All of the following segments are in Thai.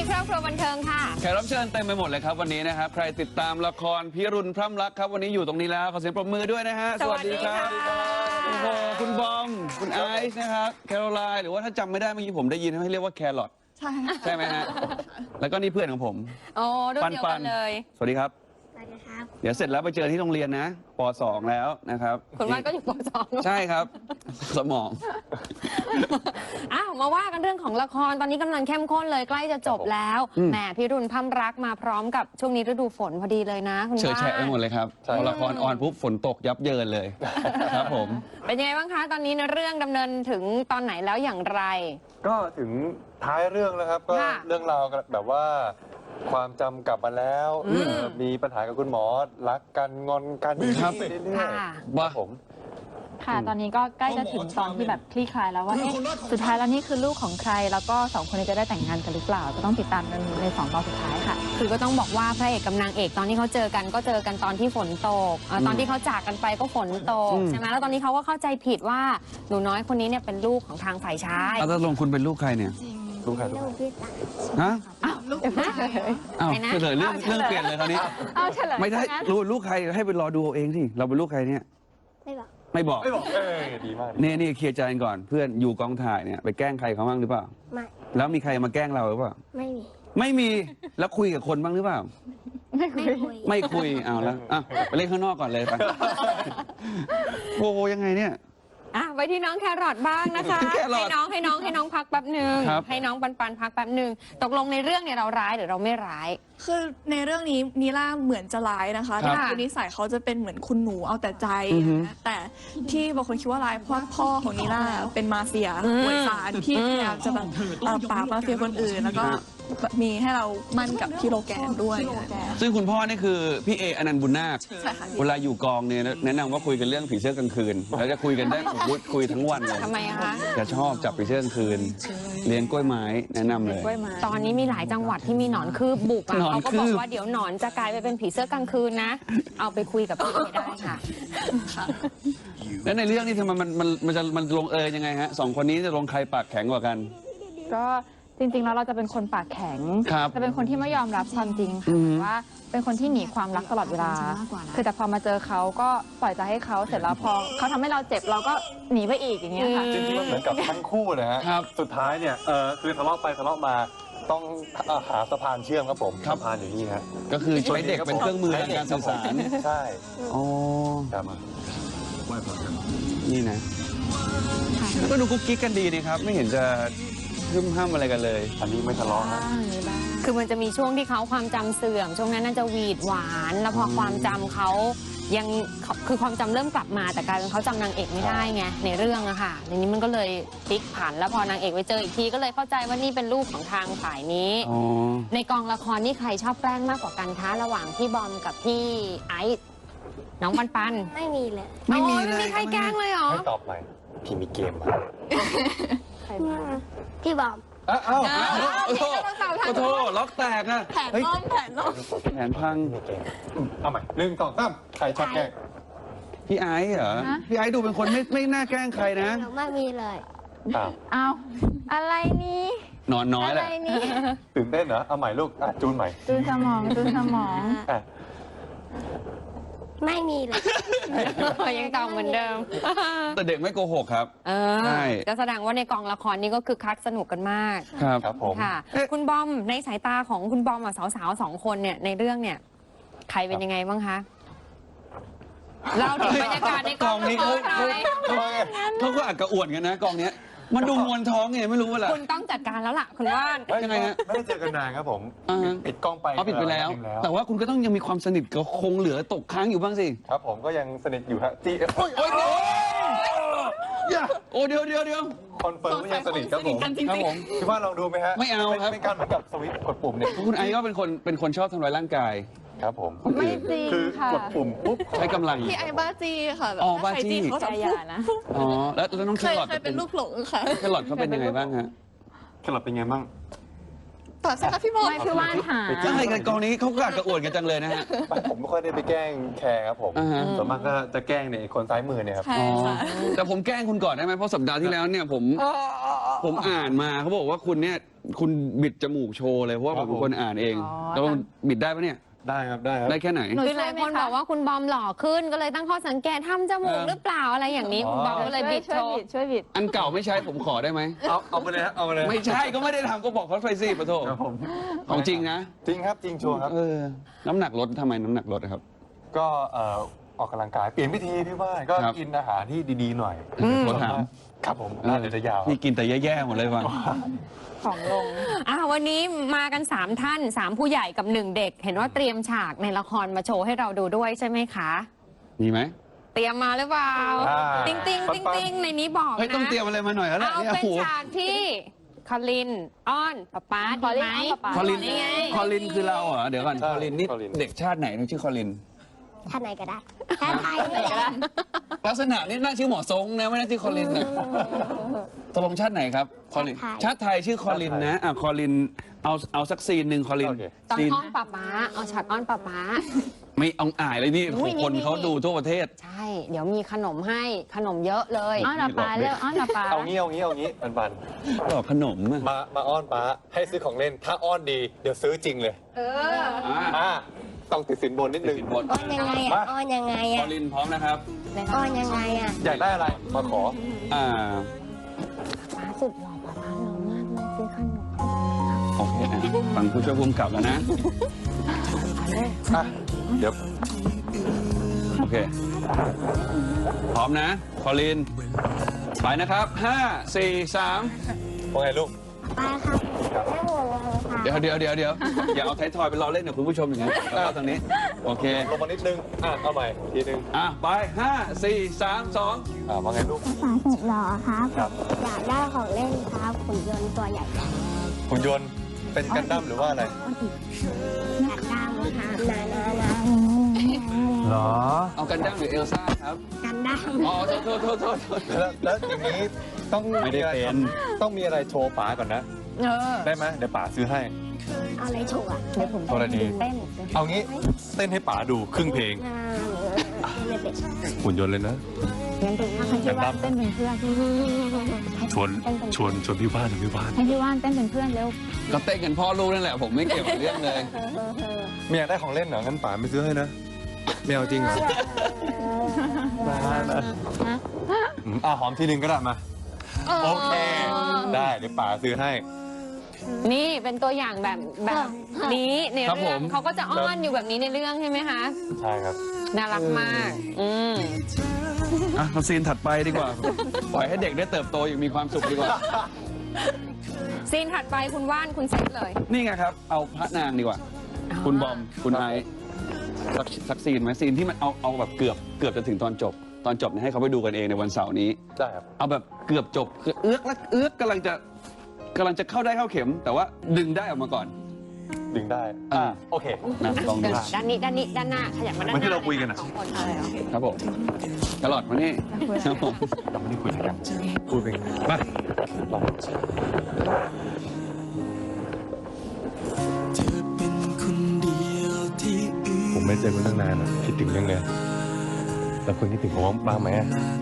ครอบครัวบันเทิงค่ะแขกรับเชิญเต็มไปหมดเลยครับวันนี้นะครับใครติดตามละครพิรุณพร่ำรักครับวันนี้อยู่ตรงนี้แล้วขอเสียงปรบมือด้วยนะฮะสวัสดีครับโอ้โหคุณบอมคุณไอซ์นะครับแคโรไลน์หรือว่าถ้าจำไม่ได้เมื่อกี้ผมได้ยินให้เรียกว่าแครอทใช่ไหมฮะแล้วก็นี่เพื่อนของผมโอ้รุ่นเดียวกันเลยสวัสดีครับเดี๋ยวเสร็จแล้วไปเจอที่โรงเรียนนะป .2 แล้วนะครับคุณวันก็อยู่ป .2 ใช่ครับสมองอ้าวมาว่ากันเรื่องของละครตอนนี้กำลังเข้มข้นเลยใกล้จะจบแล้วแหมพิรุณพร่ำรักมาพร้อมกับช่วงนี้ฤดูฝนพอดีเลยนะคุณว่าเฉยแฉะไปหมดเลยครับพอละครออนปุ๊บฝนตกยับเยินเลยครับผมเป็นยังไงบ้างคะตอนนี้เรื่องดำเนินถึงตอนไหนแล้วอย่างไรก็ถึงท้ายเรื่องแล้วครับก็เรื่องราวแบบว่าความจำกลับมาแล้วมีปัญหากับคุณหมอรักกันงอนกันครับเรื่อยๆว่าผมค่ะตอนนี้ก็ใกล้จะถึงตอนที่แบบคลี่คลายแล้วว่าสุดท้ายแล้วนี่คือลูกของใครแล้วก็2คนนี้จะได้แต่งงานกันหรือเปล่าก็ต้องติดตามกันใน2 ตอนสุดท้ายค่ะคือก็ต้องบอกว่าพระเอกกับนางเอกตอนที่เขาเจอกันก็เจอกันตอนที่ฝนตกตอนที่เขาจากกันไปก็ฝนตกใช่ไหมแล้วตอนนี้เขาก็เข้าใจผิดว่าหนูน้อยคนนี้เนี่ยเป็นลูกของทางฝ่ายชายแล้วลงคุณเป็นลูกใครเนี่ยลูกใครฮะลูกเฉลยเรื่องเปลี่ยนเลยคราวนี้ไม่ได้รู้ลูกใครให้ไปรอดูเองสิเราเป็นลูกใครเนี่ยไม่บอกดีมากนี่เคลียร์ใจกันก่อนเพื่อนอยู่กองถ่ายเนี่ยไปแกล้งใครเขาบ้างหรือเปล่าไม่แล้วมีใครมาแกล้งเราหรือเปล่าไม่มีแล้วคุยกับคนบ้างหรือเปล่าไม่คุยเอาแล้วไปเล่นข้างนอกก่อนเลยไปโอ้ยังไงเนี่ยไปที่น้องแครอทบ้างนะคะให้น้องพักแป๊บหนึ่งให้น้องปันพักแป๊บหนึ่งตกลงในเรื่องเนี่ยเราร้ายหรือเราไม่ร้ายคือในเรื่องนี้นิล่าเหมือนจะร้ายนะคะแต่คือนิสัยเขาจะเป็นเหมือนคุณหนูเอาแต่ใจนะแต่ที่บางคนคิดว่าร้ายเพราะพ่อของนิล่าเป็นมาเฟียหวยสารที่พยายามจะแบบปราบมาเฟียคนอื่นแล้วก็มีให้เรามั่นกับพี่โลแกนด้วยซึ่งคุณพ่อนี่คือพี่เออนันต์บุญนาคเวลาอยู่กองเนี่ยแนะนำว่าคุยกันเรื่องผีเสื้อกลางคืนแล้วจะคุยกันได้คุยทั้งวันเลยทำไมคะจะชอบจับผีเสื้อกลางคืนเลี้ยงกล้วยไม้แนะนำเลยตอนนี้มีหลายจังหวัดที่มีหนอนคืบบุกเขาก็บอกว่าเดี๋ยวหนอนจะกลายไปเป็นผีเสื้อกลางคืนนะเอาไปคุยกับพี่เอได้ค่ะแล้วในเรื่องนี้ทำไมมันลงยังไงฮะ2 คนนี้จะลงใครปากแข็งกว่ากันก็จริงๆแล้วเราจะเป็นคนปากแข็งจะเป็นคนที่ไม่ยอมรับความจริงค่ะแต่ว่าเป็นคนที่หนีความรักตลอดเวลาคือแต่พอมาเจอเขาก็ปล่อยใจให้เขาเสร็จแล้วพอเขาทำให้เราเจ็บเราก็หนีไปอีกอย่างเงี้ยค่ะจริงๆมันเหมือนกับทั้งคู่เลยฮะสุดท้ายเนี่ยคือทะเลาะไปทะเลาะมาต้องหาสะพานเชื่อมครับผมสะพานอยู่นี่ฮะก็คือใช้เด็กเป็นเครื่องมือในการสื่อสารใช่อ๋อครับนี่นะก็ดูกุ๊กกิ๊กกันดีนี่ครับไม่เห็นจะห้ามอะไรกันเลยอันนี้ไม่ทะเลาะนะคือมันจะมีช่วงที่เขาความจำเสื่อมช่วงนั้นน่าจะหวีดหวานแล้วพอความจำเขายังคือความจำเริ่มกลับมาแต่กลายเป็นเขาจำนางเอกไม่ได้ไงในเรื่องอะค่ะในนี้มันก็เลยพลิกผันแล้วพอนางเอกไปเจออีกทีก็เลยเข้าใจว่านี่เป็นลูกของทางฝ่ายนี้ในกองละครนี่ใครชอบแกล้งมากกว่ากันคะระหว่างพี่บอมกับพี่ไอซ์น้องปันไม่มีเลยไม่มีใครแกล้งเลยเหรอให้ตอบใหม่พี่มีเกมพี่บอมขอโทษล็อกแตกอะแผนล้มแผนพังเอาใหม่1 2 3ใครชอบแกล้งพี่ไอซ์เหรอพี่ไอซ์ดูเป็นคนไม่น่าแกล้งใครนะไม่มีเลยเอาอะไรนี่นอนน้อยแหละตื่นเต้นเหรอเอาใหม่ลูกจูนใหม่จูนสมองไม่มีเลยยังตอบเหมือนเดิมแต่เด็กไม่โกหกครับใช่จะแสดงว่าในกองละครนี่ก็คือคักสนุกกันมากครับผมค่ะคุณบอมในสายตาของคุณบอมสาวๆ2 คนเนี่ยในเรื่องเนี่ยใครเป็นยังไงบ้างคะเราถึงบรรยากาศในกองนี้เขาก็อัดกระอ่วนกันนะกองนี้มันดูมวนท้องไงไม่รู้ว่าล่ะคุณต้องจัดการแล้วล่ะคุณว่ายังไงฮะไม่ได้เจอกันนานครับผมปิดกล้องไปปิดไปแล้วแต่ว่าคุณก็ต้องยังมีความสนิทกับคงเหลือตกค้างอยู่บ้างสิครับผมก็ยังสนิทอยู่ฮะโอ้เดี๋ยวคอนเฟิร์มว่ายังสนิทครับผมคิดว่าลองดูไหมฮะไม่เอาครับเป็นการเหมือนกับสวิตช์กดปุ่มเนี่ยคุณไอก็เป็นคนชอบทำร้ายร่างกายครับผมไม่จริงค่ะกดปุ่มปุ๊บใช้กำลังพี่ไอบ้าจีค่ะแบบบ้าจีเขาจะนะแล้วน้องแครอทเคยเป็นลูกหลงค่ะแครอทเขาเป็นยังไงบ้างฮะแครอทเป็นไงบ้างต่อสิครับพี่บอลไม่คือว่านหาใช่กันกองนี้เขากระอ่วนกันจังเลยนะฮะผมไม่ค่อยได้ไปแกล้งแคร์ครับผมส่วนมากก็จะแกล้งเนี่ยคนซ้ายมือเนี่ยครับแต่ผมแกล้งคุณก่อนได้ไหมเพราะสัปดาห์ที่แล้วเนี่ยผมผมอ่านมาเขาบอกว่าคุณเนี่ยคุณบิดจมูกโชว์เลยเพราะว่าผมเป็นคนอ่านเองอ๋อแล้วมันบิดได้ปะเนี่ยได้ครับได้ครับได้แค่ไหนคือหลายคนบอกว่าคุณบอมหล่อขึ้นก็เลยตั้งข้อสังเกตทำจมูกหรือเปล่าอะไรอย่างนี้อ๋อคุณบอมก็เลยบิดโชว์ช่วยบิดอันเก่าไม่ใช้ผมขอได้ไหมเอาไปเลยฮะเอาไปเลยไม่ใช่ก็ไม่ได้ทำก็บอกเขาไปสิปะโถครับผมของจริงนะจริงครับจริงชัวร์ครับน้ำหนักลดทำไมน้ำหนักลดอะครับก็ออกกำลังกายเปลี่ยนวิธีพี่ว่าก็ครับกินอาหารที่ดีๆหน่อยขอถามครับผมน่าจะยาวนี่กินแต่แย่ๆหมดเลยว่ะของลงวันนี้มากัน 3 ท่าน 3 ผู้ใหญ่กับ 1 เด็ก เห็นว่าเตรียมฉากในละครมาโชว์ให้เราดูด้วยใช่ไหมคะมีไหมเตรียมมาหรือเปล่า ติ๊งติ๊งติ๊งติ๊งในนี้บอกเฮ้ยต้องนะเตรียมอะไรมาหน่อยแล้วแหละเอาเนี่ยเป็นโอ้โหฉากที่คอลินอ้อนป๊าป๊าคอลินดีไหมอ้อนป๊าป๊าคอลินนี่ไงคอลินคือเราเหรอเดี๋ยวก่อนคอลินนี่เด็กชาติไหนนะชื่อคอลินท่านไหนก็ได้ท่านไทยก็ได้ลักษณะนี่น่าชื่อหมอทรงนะไม่น่าชื่อคอลินนะตกลงชาติไหนครับคอลินชาติไทยชื่อคอลินนะคอลินเอาสักซีนหนึ่งคอลินโอเคตอนซีนอ้อนป๊าป๊าเอาฉากอ้อนป๊าป๊าไม่เอาอ่ายเลยนี่อุ้ยนี่คนเขาดูทั่วประเทศใช่ เดี๋ยวมีขนมให้ขนมเยอะเลยอ้อนป๊าป๊าเร็วอ้อนป๊าป๊าเอางี้ปันบอกขนมอะมาอ้อนป้าให้ซื้อของเล่นถ้าอ้อนดีเดี๋ยวซื้อจริงเลยอ่ะต้องติดสินบนนิดนึงติดบนอ้อนยังไงอ่ะอ้อนยังไงคออ่ะลินพร้อมนะครับอ้อนยังไงอ่ะอยากได้อะไรมาขออ่าป๊าสุดหล่อป๊าป๊าหล่อมากเลยซื้อขนมโอเคอ่ะฟังผู้ช่วยภูมิกับแล้วนะอ่ะเดี๋ยวโอเค พร้อมนะ คอลิน ไปนะครับ 5 4 3 ว่าไงลูกป้าครับไม่ห่วงเลยค่ะเดี๋ยวอย่าเอาไทยทอยไปรอเล่นกับคุณผู้ชมอย่างนั้นแล้วก็ทางนี้ โอเคลงมานิดนึงเอาใหม่ทีนึงไป 5 4 3 2 ว่าไงลูกป้าสุดหล่อครับครับอยากได้ของเล่นครับหุ่นยนต์ตัวใหญ่หุ่นยนต์เป็นกันดั้มหรือว่าอะไรอยากได้ไหมครับนาเหรอเอากันดั้มหรือเอลซ่าครับกันได้อ๋อโทษแล้วอย่างนี้ต้องไม่ได้เป็นต้องมีอะไรโชว์ป๋าก่อนนะ ได้ไหมเดี๋ยวป๋าซื้อให้เอาอะไรโชว์อ่ะเดี๋ยวผมกรณีเต้นเอางี้เต้นให้ป๋าดูครึ่งเพลงไม่เป็นหุ่นยนต์เลยนะงั้นดูให้พี่ว่านเต้นเป็นเพื่อนชวนพี่ว่านพี่ว่านให้พี่ว่านเต้นเป็นเพื่อนเร็วก็เต้นกันพ่อลูกนั่นแหละ ผมไม่เกี่ยวกับเรื่องเลยไม่อยากได้ของเล่นเหรองั้นป๋าไม่ซื้อให้นะไม่เอาจริงเหรอหอมทีนึงก็ได้มาโอเค ได้เดี๋ยวป๋าซื้อให้นี่เป็นตัวอย่างแบบนี้ในครับเรื่องผมเขาก็จะอ้อนอยู่แบบนี้ในเรื่องใช่ไหมคะใช่ครับน่ารักมากเอาซีนถัดไปดีกว่า ปล่อยให้เด็กได้เติบโตอย่างมีความสุขดีกว่าซีนถัดไปคุณว่านคุณเซตเลยนี่ไงครับ เอาพระนางดีกว่า คุณบอม คุณไอซ์สักซีนไหมซีนที่มันเอาแบบเกือบจะถึงตอนจบเนี่ยให้เขาไปดูกันเองในวันเสาร์นี้ได้ครับเอาแบบเกือบจบคือเอื้อกกำลังจะเข้าได้เข้าเข็ม แต่ว่าดึงได้ออกมาก่อนดึงได้ โอเคนะลองดูด้านนี้ด้านหน้าขยับมาด้านหเหมือนที่น้าเราคุยกันอะสองคนอะไรเหรอครับผมตลอดมานี่ครับผมเราไม่ได้คุยกันพูดเป็นมาลอง ผมไม่เจอคุณตั้งนานคิดถึงยังเลยแล้วคุณคิดถึงผมบ้างไหม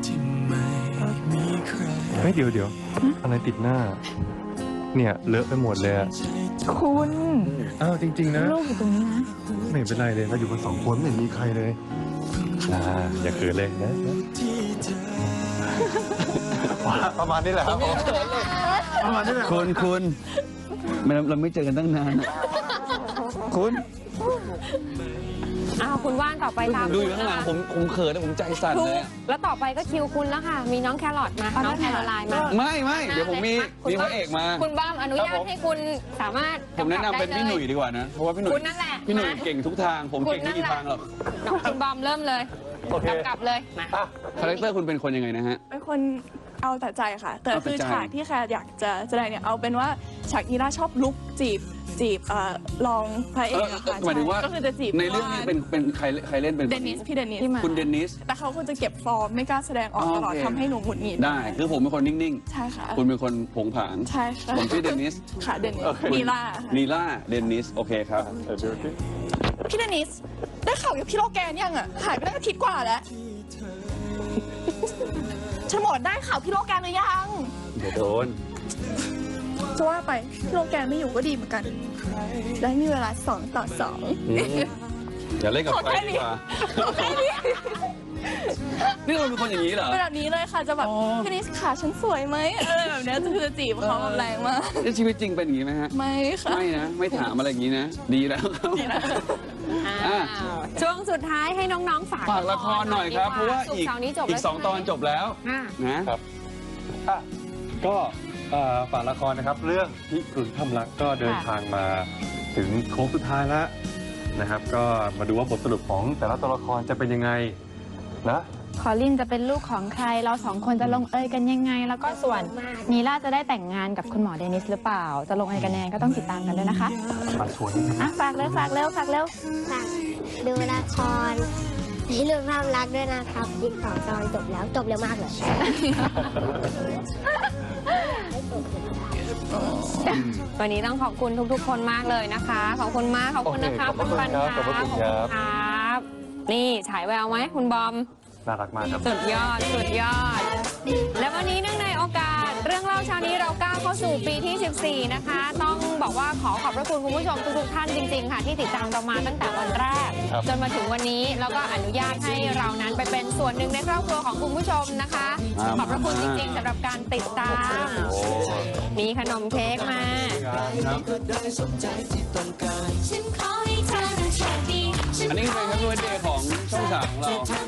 เฮ้ยเดี๋ยวอะไรติดหน้า เนี่ยเลอะไปหมดเลยอะคุณอ้าวจริงๆนะลูกอยู่ตรงนี้นะไม่เป็นไรเลยเราอยู่กัน2 คนไม่เห็นมีใครเลยอย่าเขินเลยนะประมาณนี้แหละครับประมาณนี้แหละคุณเราไม่เจอกันตั้งนานอะคุณคุณว่านต่อไปตามดูอยู่ข้างหลังผมเขินนะผมใจสั่นถูเลยกแล้วต่อไปก็คิวคุณแล้วค่ะ มีน้องแครอทมาน้องแคโรไลน์มาไม่เดี๋ยวผมมีพระเอกมาคุณบ้ามอนุญาตให้คุณสามารถผมแนะนำเป็นพี่หนุ่ยดีกว่านะ เพราะว่าพี่หนุ่ยคุณนั่นแหละพี่หนุ่ยเก่งทุกทาง ผมเก่งไม่กี่ทางหรอกคุณบอมเริ่มเลยโอเคกลับเลยมาคาแรคเตอร์คุณเป็นคนยังไงนะฮะเป็นคนเอาแต่ใจค่ะ แต่เอาแต่คือใจฉากที่แคร์อยากจะแสดงเนี่ยเอาเป็นว่าฉากนีล่าชอบลุกจีบรองพระเอกอะค่ะหมายถึงว่าก็คือจะจีบในเรื่องนี้เป็นใครเล่นเป็นเดนิสพี่เดนิสคุณเดนิสแต่เขาควรจะเก็บฟอร์มไม่กล้าแสดงออกตลอดโอเคทำให้หนูหงุดหงิดได้ คือผมเป็นคนนิ่งใช่ค่ะๆ คุณเป็นคนผงผางใช่ค่ะผมชื่อเดนิสค่ะเดนิสโอเคนีล่านีล่าเดนิส โอเคครับดูสิพี่เดนิสได้ข่าวกับพี่โลแกนยังอ่ะหายไปได้อาทิตย์กว่าแล้วฉมวดได้ข่าวพี่โลแกนหรือยังเดี๋ยวโดนจะว่าไปพี่โลแกนไม่อยู่ก็ดีเหมือนกัน และมีเวลา2 ต่ออย่าเล่นกับไฟดีกว่านี่เราเป็นคนอย่างนี้เหรอ 2เป็นแบบนี้เลยค่ะจะแบบพี่นิสขาฉันสวยไหมอะไรแบบเนี้ยคือจะจีบเขาแบบแรงมากในชีวิตจริงเป็นอย่างนี้ไหมฮะไม่ค่ะไม่นะ ไม่ถามอะไรอย่างนี้นะ ดีแล้วครับอ้าวช่วงสุดท้ายให้น้องๆฝากฝากละครหน่อยครับ เพราะว่าศุกอีกร์เสาร์นี้จบอีแล้กว 2 ตอนจบแล้วอ่ะนะอ่ะก็ฝากละครนะครับ เรื่องพิรุณถ้ำรักก็เดินทางมาถึงโค้งสุดท้ายแล้วนะครับ ก็มาดูว่าบทสรุปของแต่ละตัวละครจะเป็นยังไงนะคอลินจะเป็นลูกของใคร เราสองคนจะลงเอยกันยังไง แล้วก็ส่วนนีล่าจะได้แต่งงานกับคุณหมอเดนิสหรือเปล่า จะลงเอยกันยังไงก็ต้องติดตามกันด้วยนะคะมาชวนนิดนึงอ่ะฝากเร็วฝากเร็วฝากเร็วฝากดูละครพิรุณความรักด้วยนะครับอีก2 ตอนจบแล้วจบเร็วมากเลยวันนี้ต้องขอบคุณทุกๆ คนมากเลยนะคะ ขอบคุณมาก ขอบคุณนะคะโอเคขอบพระคุณปันครับค่ะขอบพระคุณครับครับ นี่ฉายแววไหมคุณบอมน่ารักมากครับสุดยอด สุดยอด และวันนี้เนื่องในโอกาส เรื่องเล่าเช้านี้เราก้าวเข้าสู่ปีที่ 14 นะคะ ต้องบอกว่าขอบพระคุณคุณผู้ชมทุกๆท่านจริงๆ ค่ะ ที่ติดตามเรามาตั้งแต่วันแรกครับจนมาถึงวันนี้แล้วก็อนุญาตให้เรานั้นไปเป็นส่วนหนึ่งในครอบครัวของคุณผู้ชมนะคะ ขอบพระคุณจริงๆสำหรับการติดตามโอ้มีขนมเค้กมาครับอันนี้คือเป็นแฮปปี้เบิร์ธเดย์ของช่องสามของเรา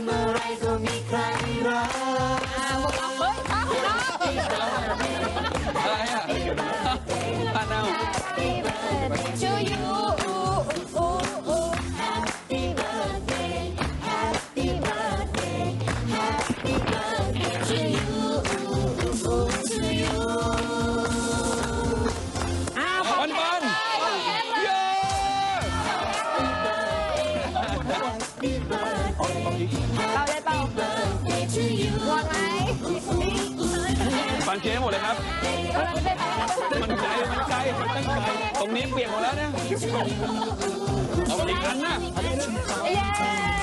พวกเราเฮ้ยข้าวของน้องอะไรอ่ะทานเอาชื่อยูปันปันเย้เราได้เปล่าหมดไหมปันเค้กหมดเลยครับ มันไกลมันไกลมันตั้งไกลตรงนี้เปียกหมดแล้วเนี่ยเอาอีกอันนะเย้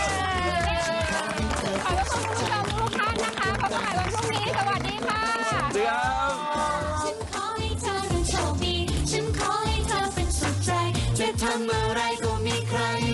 ขอบคุณคุณผู้ชมทุกท่านนะคะพบกันใหม่วันพรุ่งนี้ สวัสดีค่ะเดี๋ยวฉันขอให้เธอนั้นโชคดี ฉันขอให้เธอเป็นสุขใจ จะทำอะไรก็มีใคร